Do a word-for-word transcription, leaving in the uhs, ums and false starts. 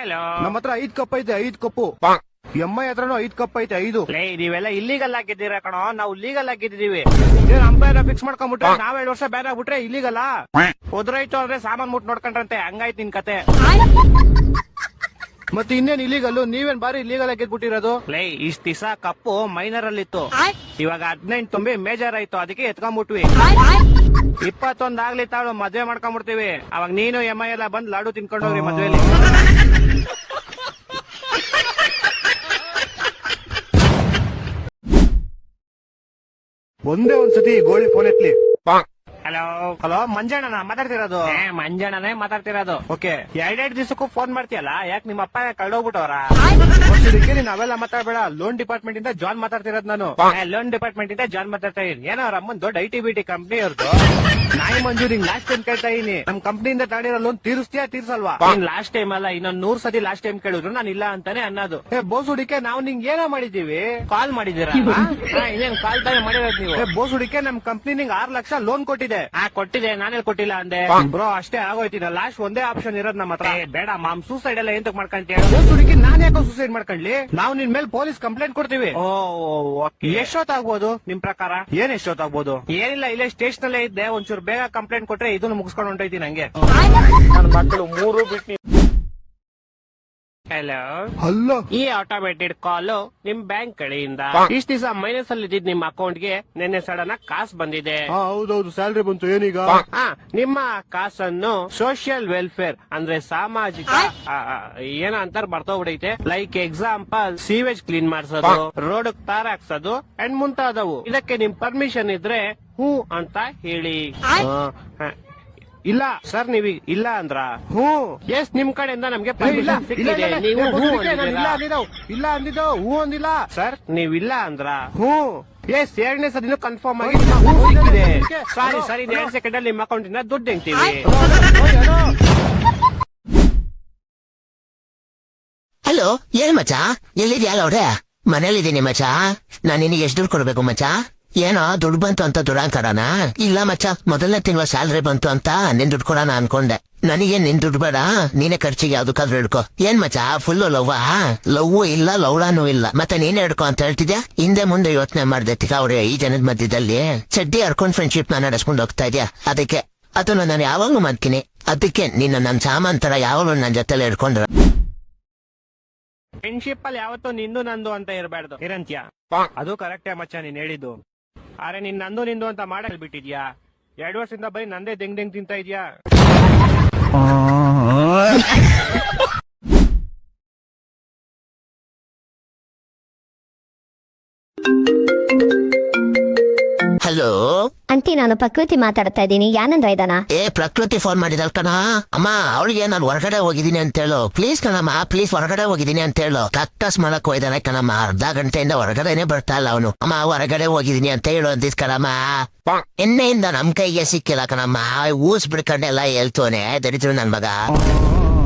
ನಮ್ಮ ಹತ್ರ ಐದ್ ಕಪ್ ಐತೆ, ಐದ್ ಕಪ್ಪು. ಎಂ ಐ ಹತ್ರನು ಐದ್ ಕಪ್ ಐತೆ, ಐದು. ನೀವೆಲ್ಲ ಇಲ್ಲಿಗಲ್ ಆಗಿದ್ದೀರಾ ಕಣೋ, ನಾವು ಲೀಗಲ್ ಆಗಿದ್ದೀವಿ. ಅಂಪೈರ್ ಫಿಕ್ಸ್ ಮಾಡ್ಕೊಂಡ್ಬಿಟ್ರೆ ನಾವ್ ಎರಡು ವರ್ಷ ಬ್ಯಾನ್ ಆಗ್ಬಿಟ್ರೆ ಇಲ್ಲಿಗಲ್ಲ. ಉದ್ರಾಯ್ತು ಅಂದ್ರೆ ಸಾಮಾನ್ ಮುಟ್ ನೋಡ್ಕೊಂಡ್ರಂತೆ, ಹಂಗಾಯ್ತು ನಿನ್ ಕತೆ. ಮತ್ತೆ ಇನ್ನೇನ್ ಇಲ್ಲಿಗಲ್ಲು, ನೀವೇನ್ ಬಾರಿ ಇಲ್ಲಿಗಲ್ ಗೆದ್ಬಿಟ್ಟಿರೋದು. ಲೇ ಇಷ್ಟ ದಿವಸ ಕಪ್ಪು ಮೈನರ್ ಅಲ್ಲಿ ಇತ್ತು, ಇವಾಗ ಹದಿನೆಂಟು ತುಂಬಿ ಮೇಜರ್ ಆಯ್ತು, ಅದಕ್ಕೆ ಎತ್ಕೊಂಡ್ಬಿಟ್ವಿ. ಇಪ್ಪತ್ತೊಂದ್ ಆಗ್ಲಿ ತಾಳು ಮದ್ವೆ ಮಾಡ್ಕೊಂಡ್ಬಿಡ್ತೀವಿ, ಅವಾಗ ನೀನು ಎಂ ಐ ಎಲ್ಲ ಬಂದ್ ಲಾಡು ತಿನ್ಕೊಂಡೋಗ್ರಿ ಮದ್ವೆಲಿ. ಒಂದೇ ಒಂದ್ಸತಿ ಗೋಳಿ ಫೋನ್ ಎತ್ಲಿ. ಹಲೋ ಹಲೋ, ಮಂಜಣ್ಣನ ಮಾತಾಡ್ತಿರೋದು? ಮಂಜಣ್ಣನೇ ಮಾತಾಡ್ತಿರೋದು. ಓಕೆ. ಎರಡೆರಡು ದಿವಸಕ್ಕೂ ಫೋನ್ ಮಾಡ್ತೀಯಲ್ಲ, ಯಾಕೆ ನಿಮ್ಮ ಅಪ್ಪ ಕಳ್ದೋಗ್ಬಿಟ್ಟವ್ರ? ನೀನ್ ಅವೆಲ್ಲ ಮಾತಾಡ್ಬೇಡ. ಲೋನ್ ಡಿಪಾರ್ಟ್ಮೆಂಟ್ ಇಂದ ಜಾನ್ ಮಾತಾಡ್ತಿರೋದ್ ನಾನು. ಲೋನ್ ಡಿಪಾರ್ಟ್ಮೆಂಟ್ ಇಂದ ಜಾನ್ ಮಾತಾಡ್ತಾ ಇದೀನಿ. ಏನೋ ಅವ್ರ ಅಮ್ಮನ್ ದೊಡ್ಡ I T B T company ಅವ್ರದ್ದು. ನಾಯಿ ಮಂಜು, ನಿಂಗ್ ಲಾಸ್ಟ್ ಟೈಮ್ ಕೇಳ್ತಾ ಇದೀನಿ, ನಮ್ ಕಂಪ್ನಿಯಿಂದ ತಗೊಂಡಿರೋ ಲೋನ್ ತೀರಿಸ್ತೀಯಾ ತೀರ್ಸಲ್ವಾ? ಲಾಸ್ಟ್ ಟೈಮ್ ಅಲ್ಲ, ಇನ್ನೊಂದ್ ನೂರ್ ಸತಿ ಲಾಸ್ಟ್ ಟೈಮ್ ಕೇಳಿದ್ರು ನಾನು ಇಲ್ಲ ಅಂತಾನೆ ಅನ್ನೋದು. ಏ ಬೋಸುಡಿಕೆ, ನಾವು ನಿಂಗ್ ಏನೋ ಮಾಡಿದೀವಿ? ಕಾಲ್ ಮಾಡಿದೀರಾ? ಇನ್ನೇನ್ ಕಾಲ್ ತಾನೇ ಮಾಡಿರೋದು ನೀವು? ಏ ಬೋಸುಡಿಕೆ, ನಮ್ ಕಂಪ್ನಿ ನಿಂಗ್ ಆರ್ ಲಕ್ಷ ಲೋನ್ ಕೊಟ್ಟಿದೆ. ಆ ಕೊಟ್ಟಿದೆ, ನಾನೇ ಕೊಟ್ಟಿಲ್ಲ ಅಂದೆ. ಬ್ರೋ ಅಷ್ಟೇ ಆಗೋಯ್ತಿನ, ಲಾಸ್ಟ್ ಒಂದೇ ಆಪ್ಷನ್ ಇರೋದ್ ನಮ್ಮ ಹತ್ರ. ಏ, ಬೇಡ ಮಾಮ್, ಸೂಸೈಡ್ ಎಲ್ಲ ಎಂತಕ್ ಮಾಡ್ಕೊಂತೀಯ? ಬೋಸುಡಿಕೆ, ನಾನ್ ಯಾಕೋ ಸೂಸೈಡ್ ಮಾಡ್ಕೊಂಡ್ಲಿ? ನಾವು ನಿನ್ ಮೇಲೆ ಪೊಲೀಸ್ ಕಂಪ್ಲೇಂಟ್ ಕೊಡ್ತೀವಿ. ಓ ಎಷ್ಟೊತ್ತಾಗ್ಬೋದು ನಿಮ್ ಪ್ರಕಾರ? ಏನ್ ಎಷ್ಟೊತ್ತಾಗ್ಬೋದು? ಏನಿಲ್ಲ, ಇಲ್ಲೇ ಸ್ಟೇಷನ್ ಅಲ್ಲೇ ಇದ್ದೆ, ಒಂಚೂರು ಬೇಗ ಕಂಪ್ಲೇಂಟ್ ಕೊಟ್ರೆ ಇದನ್ನು ಮುಗಿಸ್ಕೊಂಡು ಹೊಂಟೈತಿ ನಂಗೆ. ನನ್ ಮಕ್ಕಳು ಮೂರು ಬಿಟ್ಟು. ಹಲೋ ಹಲೋ, ಈ ಆಟೋಮೇಟೆಡ್ ಕಾಲು ನಿಮ್ ಬ್ಯಾಂಕ್ ಕಡೆಯಿಂದ. ಇಷ್ಟ ದಿವಸ ಮೈನಸ್ ಅಲ್ಲಿ ಇದ್ದಿದ್ ನಿಮ್ ಅಕೌಂಟ್ ಗೆ ನಿನ್ನೆ ಸಡನ್ ಆಗಿ ಕಾಸು ಬಂದಿದೆ. ಹೌದೌದು, ಸ್ಯಾಲ್ರಿ ಬಂತು. ಏನೀಗ? ಹಾ, ನಿಮ್ಮ ಕಾಸನ್ನು ಸೋಷಿಯಲ್ ವೆಲ್ಫೇರ್ ಅಂದ್ರೆ ಸಾಮಾಜಿಕ ಆ, ಆ, ಏನ ಅಂತಾರ ಬರ್ತೋಗ್ಬಿಡೈತೆ. ಲೈಕ್ ಎಕ್ಸಾಂಪಲ್ ಸೀವೇಜ್ ಕ್ಲೀನ್ ಮಾಡ್ಸೋದು, ರೋಡ್ ತಾರ ಹಾಕ್ಸೋದು ಅಂಡ್ ಮುಂತಾದವು. ಇದಕ್ಕೆ ನಿಮ್ ಪರ್ಮಿಷನ್ ಇದ್ರೆ ಹೂ ಅಂತ ಹೇಳಿ. ಇಲ್ಲ ಸರ್, ನೀವ್ ಇಲ್ಲ ಅಂದ್ರ? ಹ್ಞೂ. ಎಸ್, ನಿಮ್ ಕಡೆಯಿಂದ ನಮ್ಗೆ ಇಲ್ಲ ಪರ್ಮಿಷನ್ ಇಲ್ಲ ಸಿಕ್ಕಿದೆ. ಇಲ್ಲ, ನೀವು ಹೂ ಬೋಸುಡಿಕೆ, ನಾನು ಇಲ್ಲ ಅಂದಿದ್ದೀರಾ? ಅಂದಿದ್ದವು. ಇಲ್ಲ ಅಂದಿದ್ದು, ಹೂ ಅಂದಿಲ್ಲ. ಸರ್, ನೀವಿಲ್ಲ ಅಂದ್ರ? ಹ್ಞೂ. ಎಸ್, ಎರಡನೇ ಸದಿನೂ ಕನ್ಫರ್ಮ್ ಆಗಿ ಹಲೋ, ಹೂ ಸಿಕ್ಕಿದೆ. ಹಲೋ, ಸಾರಿ ಹಲೋ, ಸರಿ, ಹಲೋ. ಎರಡು ಸೆಕೆಂಡ್ ಅಲ್ಲಿ ನಿಮ್ಮ ಅಕೌಂಟ್ ಇಂದ ದುಡ್ಡು ಹೆಂಗ್ತೀವಿ. ಹಲೋ, ಏನ್ ಮಚ, ಎಲ್ಲಿದ್ಯಾ? ಅವ್ರೆ ಮನೇಲಿದ್ದೀನಿ ಮಚ. ನಾನ್ ನಿನಗೆ ಎಷ್ಟು ದುಡ್ಡು ಕೊಡ್ಬೇಕು ಮಚ? ಏನೋ ದುಡ್ಡು ಬಂತು ಅಂತ ದುರಾಂಕರನ? ಇಲ್ಲ ಮಚ್ಚ, ಮೊದಲನೇ ತಿಂಗಳ ಸ್ಯಾಲ್ರಿ ಬಂತು ಅಂತ ನಿನ್ ದುಡ್ಡು ಕೊಡೋಣ ಅನ್ಕೊಂಡೆ. ನನಗೆ ನಿನ್ ದುಡ್ಡು ಬೇಡ, ನೀನೇ ಖರ್ಚಿಗೆ ಯಾವ್ದಕ್ಕಾದ್ರೂ ಹಿಡ್ಕೊ. ಏನ್ ಮಚ್ಚ, ಫುಲ್ಲು ಲವ್ವಾ? ಲವ್ವು ಇಲ್ಲ, ಲವ್ಲಾನು ಇಲ್ಲ, ಮತ್ತೆ ನೀನೇ ಹಿಡ್ಕೊ ಅಂತ ಹೇಳ್ತಿದ್ಯಾ? ಹಿಂದೆ ಮುಂದೆ ಯೋಚನೆ ಮಾಡ್ದೆ ಅವ್ರೆ, ಈ ಜನದ ಮಧ್ಯದಲ್ಲಿ ಚಡ್ಡಿ ಹರ್ಕೊಂಡ್ ಫ್ರೆಂಡ್ಶಿಪ್ ನ ನಡೆಸ್ಕೊಂಡು ಹೋಗ್ತಾ ಇದ್ಯಾ. ಅದಕ್ಕೆ ಅದನ್ನ ನಾನು ಯಾವಾಗ್ಲೂ ಮಾಡ್ತೀನಿ. ಅದಕ್ಕೆ ನಿನ್ನ ನನ್ ಸಾಮಾನ್ ತರ ಯಾವಾಗ್ಲೂ ನನ್ ಜೊತೆಲೆ ಹಿಡ್ಕೊಂಡ್ರ. ಫ್ರೆಂಡ್ಶಿಪ್ ಅಲ್ಲಿ ಯಾವತ್ತೂ ನಿಂದು ನಂದು ಅಂತ ಇರಬಾರ್ದು, ಇರಂತ್ಯ. ಅದು ಕರೆಕ್ಟೇ ಮಚ್ಚ, ನೀನ್ ಹೇಳಿದ್ದು. ಆದ್ರೆ ನೀನ್ ನಂದು ನಿಂದು ಅಂತ ಮಾಡಲ್ ಬಿಟ್ಟಿದ್ಯಾ. ಎರಡು ವರ್ಷದಿಂದ ಬರೀ ನಂದೇ ದೆಂಗ್ ದೆಂಗ್ ತಿಂತ ಇದ್ಯಾ. ಹಲೋ ಅಂಟಿ, ನಾನು ಪ್ರಕೃತಿ ಮಾತಾಡ್ತಾ ಇದ್ದೀನಿ. ಯಾನಂದ್ರ ಇದಾನ? ಏ, ಪ್ರಕೃತಿ ಫೋನ್ ಮಾಡಿದಲ್ ಕಣ. ಅಮ್ಮ, ಅವಳಿಗೆ ನಾನು ಹೊರಗಡೆ ಹೋಗಿದ್ದೀನಿ ಅಂತ ಹೇಳು ಪ್ಲೀಸ್ ಕಣಮ್ಮ, ಪ್ಲೀಸ್ ಹೊರಗಡೆ ಹೋಗಿದ್ದೀನಿ ಅಂತ ಹೇಳು. ಕಕ್ಕಸ್ ಮಾಡಕ್ ಹೋಯ್ದಾನೆ ಕಣಮ್ಮ, ಅರ್ಧ ಗಂಟೆಯಿಂದ ಹೊರಗಡೆನೆ ಬರ್ತಾ ಇಲ್ಲ ಅವನು. ಅಮ್ಮ, ಹೊರಗಡೆ ಹೋಗಿದ್ದೀನಿ ಅಂತ ಹೇಳು ಅಂದಿದ್ ಕಣಮ್ಮ. ಎಣ್ಣೆಯಿಂದ ನಮ್ ಕೈಗೆ ಸಿಕ್ಕಿಲ್ಲ ಕಣಮ್ಮ, ಊಸ್ ಬಿಡ್ಕೊಂಡೆಲ್ಲ ಹೇಳ್ತೋನೆ ದರಿದ್ರು ನನ್ ಮಗ.